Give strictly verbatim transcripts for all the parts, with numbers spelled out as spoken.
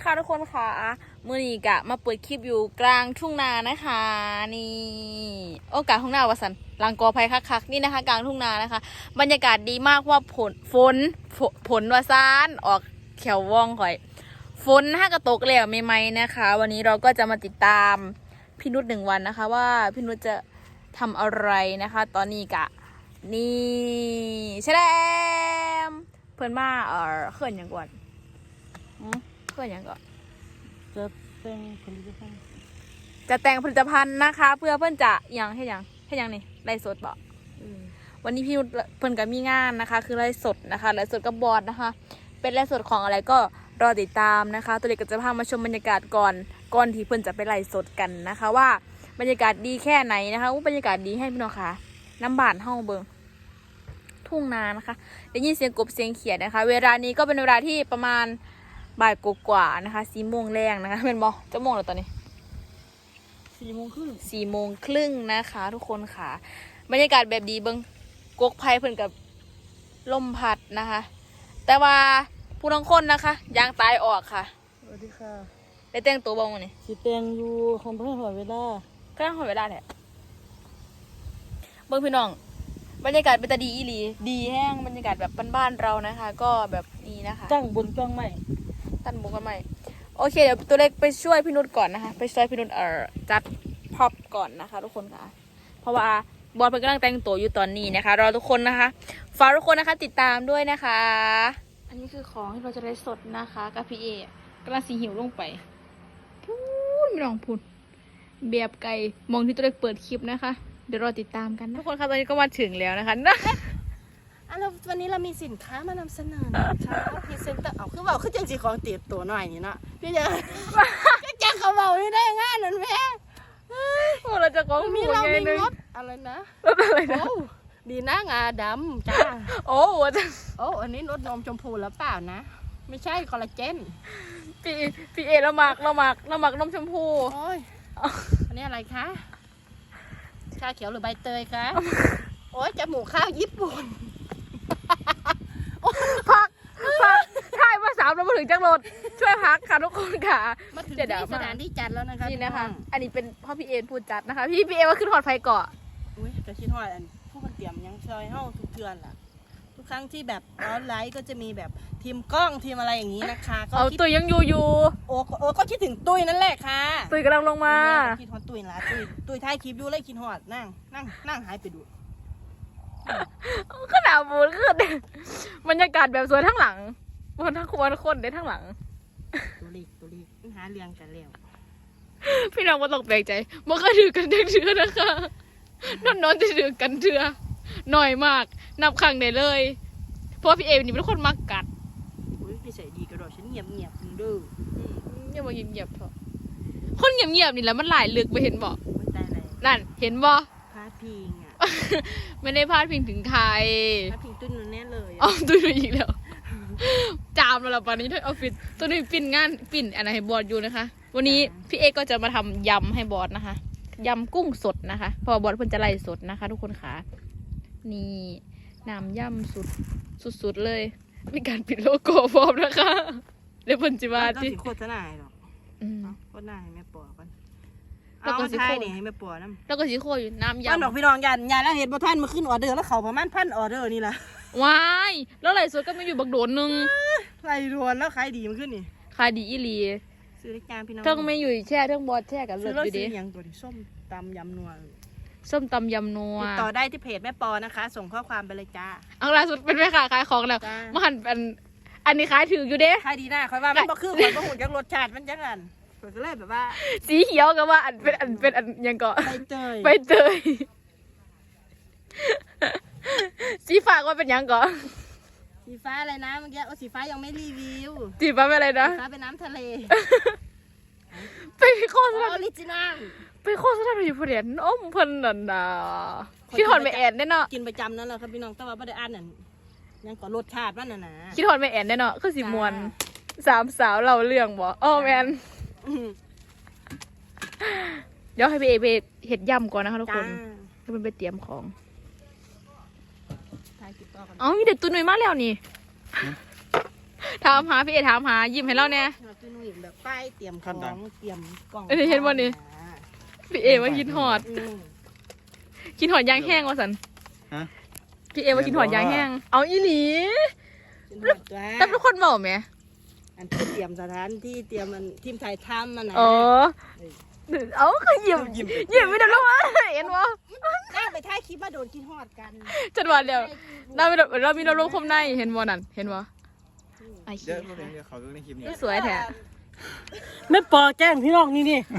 ค่ะทุกคนค่ะมือนี้กะมาเปิดคลิปอยู่กลางทุ่งนานะคะนี่โอ้กลางทุ่งนาวะสันหลังกอไผ่คักๆนี่นะคะกลางทุ่งนานะคะบรรยากาศดีมากว่าผลฝนผลวาซานออกแขวว่องข่อยฝนห้ากระตกแล้วไม่ไหมนะคะ วันนี้เราก็จะมาติดตามพี่นุชหนึ่งวันนะคะว่าพี่นุชจะทำอะไรนะคะ ตอนนี้กะนี่แชลมเพื่อนมาเออเขื่อนอย่างก่อนเขื่อนอย่างก่อนจะแต่งผลิตภัณฑ์จะแต่งผลิตภัณฑ์นะคะ เพื่อเพื่อนจะยังให้ยังให้ยังนี่ไลฟ์สดบอกวันนี้พี่นุชเพื่อนกับมีงานนะคะ คือไลฟ์สดนะคะไลฟ์สดกับบอสนะคะ เป็นไลฟ์สดของอะไรก็รอติดตามนะคะ ตัวเล็กก็จะพามาชมบรรยากาศก่อนก่อนที่เพื่อนจะไปไลฟ์สดกันนะคะ ว่าบรรยากาศดีแค่ไหนนะคะบรรยากาศดีให้พี่น้องค่ะน้ำบานห้องเบิงทุ่งนานะคะได้ยินเสียงกบเสียงเขียดนะคะ เวลานี้ก็เป็นเวลาที่ประมาณบ่ายกว่าๆนะคะสี่โมงแรงนะคะเป็นบอจะโมงแล้วตอนนี้สี่โมงครึ่งสี่โมงครึ่งนะคะ ทุกคนค่ะบรรยากาศแบบดีเบิงกกไผ่เพิ่นกับลมพัดนะคะ แต่ว่าผู้ทั้งคนนะคะยางตายออกค่ะสวัสดีค่ะได้แต่งตัวบ้างวันนี้สีแต่งอยู่ของเพื่อนหอยเวลาก็ต้องหอยเวลาแหละเบิ้งพี่น้องบรรยากาศเป็นตาดีอีหลีดีแห้งบรรยากาศแบบบ้านๆเรานะคะ ก็แบบนี้นะคะตั้งบนกล้องใหม่ตั้งบนกล้องใหม่โอเคเดี๋ยวตัวเล็กไปช่วยพี่นุชก่อนนะคะไปช่วยพี่นุชเอ่อจัดพ็อปก่อนนะคะ ทุกคนค่ะเพราะว่าบอลเพิ่งกำลังแต่งตัวอยู่ตอนนี้นะคะรอทุกคนนะคะฝากทุกคนนะคะติดตามด้วยนะคะอันนี้คือของที่เราจะได้สดนะคะกับพี่เอกำลังสีหิวลงไปพูดไม่ลองพูดเบียบไก่มองที่ตัวเล็กเปิดคลิปนะคะเดี๋ยวรอติดตามกันทุกคนค่ะตอนนี้ก็มาถึงแล้วนะคะอ่ะแล้ววันนี้เรามีสินค้ามานำเสนอนะคะพรีเซนเตอร์เอาคือบอกคือจังสีของติดตัวหน่อยนี่เนาะพี่จะจังเขาเบาไม่ได้ง่ายนั่นแม่โอ้เราจะก้องมีเรามีรถอะไรนะรถอะไรนะดีนะงาดำจ้าโอ้จะโอ้อันนี้รถนมชมพูแล้วเปล่านะไม่ใช่คอลลาเจนพี่พี่เอเราหมักเราหมักเราหมักนมชมพูโอ้ยอันนี้อะไรคะชาเขียวหรือใบเตยคะโอ้ยจมูกข้าวญี่ปุ่นพักพักถ่ายมาสามเรามาถึงจังรถช่วยพักค่ะทุกคนค่ะมาถึงที่สถานที่จัดแล้วนะคะนี่นะคะอันนี้เป็นพ่อพี่เอพูดจัดนะคะพี่พี่เอว่าขึ้นหอดไฟเกาะอุ้ยจะคิดหอดอันผู้คนเตรียมยังซอยเฮ้าทุกเดือนล่ะทุกครั้งที่แบบร้อนไลท์ก็จะมีแบบทีมกล้องทีมอะไรอย่างนี้นะคะก็เอาตุ้ยยังอยู่อยู่โอ้โอ้ก็คิดถึงตุ้ยนั่นแหละค่ะตุ้ยกำลังลงมาคิดฮอดตุ้ยละตุ้ยตุ้ยท้ายคลิปดูเลยคิดฮอดนั่งนั่งนั่งหายไปดูขนาดบูนขึ้นบรรยากาศแบบสวยทั้งหลังบนทั้งคนคนได้ทั้งหลังตัวเล็กตัวเล็กหาเรียงกันแล้วพี่น้องมาตกแปลกใจเมื่อคืนถือกันเถื่อนะคะนอนนอนจะถือกันเถื่อหน่อยมากนับครั้งได้เลยเพราะพี่เอนี่เป็นคนมักกัดอุ้ยพี่ใส่ดีกระโดดฉันเงียบเงียบมึงดูอย่ามาเงียบๆเถอะคนเงียบๆนี่แหละมันหลายลึกไปเห็นบ่นั่นเห็นบ่พาดพิงอ่ะไม่ได้พาดพิงถึงใครพาดพิงตุ้ยนุ่นแน่เลยอ๋อตุ้ยนุ่นอีกแล้วจามแล้วป่านนี้ที่ออฟฟิศตัวนี้ปิ่นงานปิ่นอะไรให้บอสอยู่นะคะวันนี้พี่เอก็จะมาทำยำให้บอสนะคะยำกุ้งสดนะคะเพราะบอสเพิ่นจะไล่สดนะคะ ทุกคนค่ะนี่น้ำยำสุดสุดๆเลยมีการปิดโลโก้พร้อมนะคะเดี๋ยวเพิ่นจะมาที่โคตรน่าหรอกโคตรน่าให้แม่ปอกันเอาไทยนี่ให้แม่ปอน้ำแล้วก็สีโคอยู่น้ำยำมันบอกพี่น้องยันยันแล้วเห็นบ่ท่านมาขึ้นออเดอร์แล้วเขาประมาณพันออเดอร์นี่แหละว้ายแล้วไหลสดก็ไม่อยู่บักโดนนึงไหลรวนแล้วขายดีมันขึ้นนี่ขายดีอีหลีซื้อได้จานพี่น้องเทิงไม่อยู่แช่เทิงบอสแช่กับเลือดอยู่ดิยังตัวที่ส้มตำยำนัวส้มตำยำนัวติดต่อได้ที่เพจแม่ปอนะคะส่งข้อความไปเลยจ้าเอาล่าสุดเป็นแม่ค้าขายของแล้วมาหันเป็นอันนี้ขายถืออยู่เด้ขายดีนะคอยว่ามันก็คือมันก็หุ่นจากรสชาติมันจังกันก็เลยแบบว่าสีเขียวกับว่าอันเป็นอันเป็นอันยังเกาะใบเตยใบเตยสีฟ้าก็เป็นยังเกาะสีฟ้าอะไรนะเมื่อกี้โอ้สีฟ้ายังไม่รีวิวสีฟ้าเป็นอะไรนะสีฟ้าเป็นน้ำทะเลไปโฆษณาออริจินัลไปโฆษณาอยู่เพื่อนอ้อมเพิ่นนั่นน่ะคิดถอดไม่แอนแน่เนาะกินประจำนั่นแหละครับพี่น้องแต่ว่าไม่ได้อ่านนั่นยังก่อรสชาติมันน่ะนะคิดถอดไม่แอนแน่เนาะคือสีมวนสามสาวเราเรื่องบ่อ้อแมนเดี๋ยวให้พี่เอไปเห็ดยำก่อนนะคะทุกคนให้มันไปเตรียมของอ๋อมีเด็ดตุนหน่อยมากแล้วนี่ถามหาพี่เอถามหายิ้มให้เราแน่พี่นุ่ยแบบป้ายเตรียมของเตรียมกล่องเอ้ยเห็นบ่นี่ พี่เอว่ากินหอดอืมกินหอดยางแห้งว่าสันฮะพี่เอว่ากินหอดยางแห้งเอาอีหลีเป็นแบบว่าแต่ทุกคนบอกไหมอันที่เตรียมสถานที่เตรียมมันทีมถ่ายทำมันนะอ๋อเอาก็ยิ้มยิ้มไม่ได้แล้ววะเห็นวะนั่งไปถ่ายคลิปมาโดนกินฮอดกันจัดวันเดียวเรามีเรามีเราลงคมในเห็นบ่นั่นเห็นบ่ไอ้เดี๋เหี้ยวย เดี๋ยวเขาดูในคลิปนี้สวยแท้แม่ปอแกล้งพี่น้องนี่นี่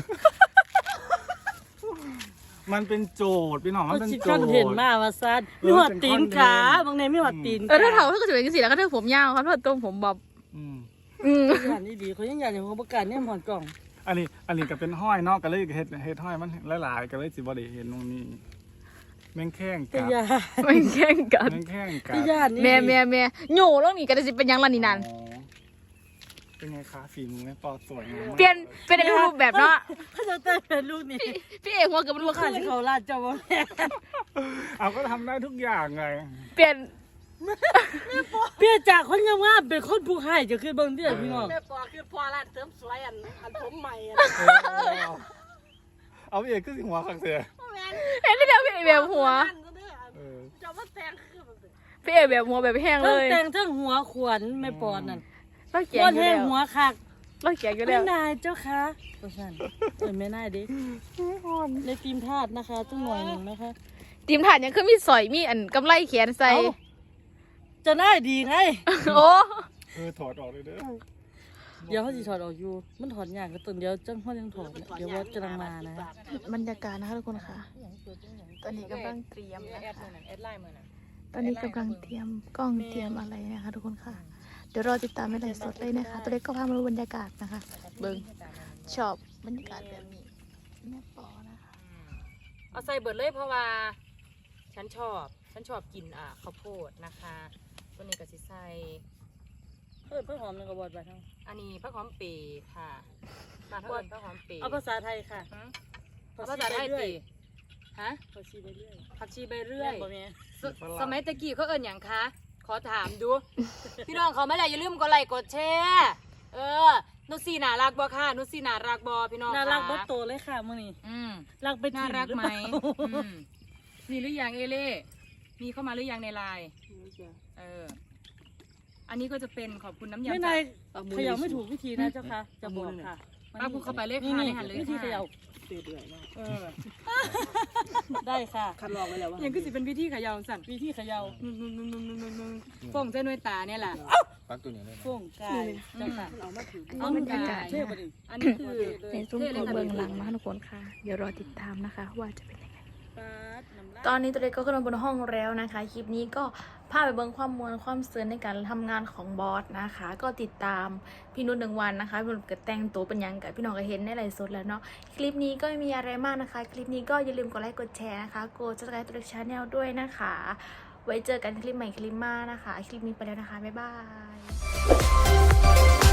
มันเป็นโจทย์พี่น้องมันเขาเป็นชิดโจกัทนย์เห็นมาว่าซัดมีหัวตีนขาบางในมีหัวตีนเออถ้าเถาถ้าเกิดเป็นสีแล้วก็เธอผมยาวครับถ้าตัวผมบอบอืมอืมอย่างนี้ดีเขายังอยากเห็นเขาประกาศเนี่ยหอนกล่องอันนี้อันนี้ก็เป็นห้อยเนอกก็เลยเฮ็ดเฮ็ดห้อยมันหลายๆก็เลยสิบ่ได้เห็นตรงนี้แม่งแข้งแต่กับยาไม่แข่งกันแม่งแข้งกัแต่บยานี่แม่แม่แม่โย่แล้วนี่ก็จะสิเป็นยังล่ะนี่นั่นอ๋อเป็นไงคะฝีมือแม่ปอสวยงามมากเปลี่ยนเป็นในรูปแบบเนาะเขาจะแต่งเป็นลูกนี่พี่เอกหัวกับมันลูลูกกค้าขึ้นที่เขาลาดเจ้าบ่แม่เอาก็ทำได้ทุกอย่างไงเปลี่ยนเปลี่ยนจากคนงามๆเป็นคนผู้ให้จะขึ้นเบิ่งเด้อพี่น้องแม่ปอคือพอร้านเสริมสวยอันอันผมใหม่อันเออเอาพี่เอกขึ้นหัวขังเสียแม่นเห็นได้เดียวพี่เอกแบบหัวอันนั้นเด้อเออจะมาแต่งคือมันพี่เอกแบบหัวแบบแห้งเลทั้งยแต่งทั้งหัวขวัญแม่ปอนนั่นเราแก่ก้อนอยู่แห้แล้งวหัวคักเราแก่อยู่ไม่แล้วนายเจ้าคะว่าซั่นเออแม่นายดิในทีมทาสนะคะจังหน่อยหนึงนะคะทีมฐานยังขึ้นมีสอยมีอันกำไรแขนใส่เอ้า จะน่าดีไงโอ้เออถอดออกเลยเด้อเดี๋ยวเขาสิถอดออกอยู่ มันถอดยากก็ต้นเดียวจังเขายังถอดเนี่ยเดี๋ยวว่ากำลังมานะบรรยากาศนะคะทุกคนค่ะ ตอนนี้กำลังเตรียมนะคะตอนนี้กำลังเตรียมกล้องเตรียมอะไรนะคะทุกคนค่ะ เดี๋ยวรอติดตามในไลฟ์สดเลยนะคะ ตัวเล็กก็พามาดูบรรยากาศนะคะ เบิ้งชอบบรรยากาศแบบนี้แม่ปอนะคะเอาใส่เบิดเลยเพราะว่า ฉันชอบ ฉันชอบกินอ่าข้าวโพดนะคะตัวนี้ก็สิใส่เพิ่มเพิ่มหอมหนึ่งกระบอกไปทั้งอันนี้ผักหอมเปรย์ค่ะมาทั้งหมดผักหอมเปรย์เอาภาษาไทยค่ะหืมเอาภาษาไทยตีฮะผักชีไปเรื่อยผักชีใบเรื่อยบ่แม่สสมัยตะกี้เขาเอิ้นอย่างคะ ขอถามดู พี่น้องเขาไม่ไรอย่าลืมกดไลค์กดแชร์เออนุชซีน่ารักบ่ค่ะนุชซีน่ารักบ่พี่น้องน่ารักค่ะบัดโตเลยค่ะมื้อนี้อืมรักไปน่าถิ่นรักรือไหมเปล่าอืมมีหรือยังเอเล่มีเข้ามาหรือยังในไลน์เออ อันนี้ก็จะเป็นขอบคุณน้ำยำไม่จากนายเขย่าไม่ถูกวิธีนะเจ้าค่ะ จะบอกค่ะป้าพูดเข้าไปเลยนี่ค่ะนี่ในหันเลยวิธีค่ะเขย่าเตื่อยๆเนาะเออ ได้ค่ะคัดลองไว้แล้วว่ายังก็สิเป็นวิธีเขยาวสั่นวิธีเขย่านุ่นนุ่นนุ่นนุ่นนุ่นนุ่นฟงเส้นด้วยตาเนี่ยแหละปักตัวนี้เลยนะฟ่งกายเจ้าค่ะเอามาถือเอาบรรยากาศเท่บ่ดิอันนี้คือในซุ้มของเบิ้งหลังนะคะทุกคนค่ะ เดี๋ยวรอติดตามนะคะว่าจะเป็นยังไงปาดน้ำลายตอนนี้ตัวเล็กก็ขึ้นมาบนห้องแล้วนะคะ คลิปนี้ก็พาไปเบิ้งความมวลความเสือในการทำงานของบอสนะคะ ก็ติดตามพี่นุ่นหนึ่งวันนะคะพี่นุ่นก็แต่งตัวเป็นหยังกับพี่น้องก็เห็นในไลฟ์สดแล้วเนาะคลิปนี้ก็ไม่มีอะไรมากนะคะ คลิปนี้ก็อย่าลืมกดไลค์กดแชร์นะคะกดซับสไครต์ตัวเล็กชาแนลด้วยนะคะ ไว้เจอกันคลิปใหม่คลิปหน้านะคะ คลิปนี้ไปแล้วนะคะบ๊ายบาย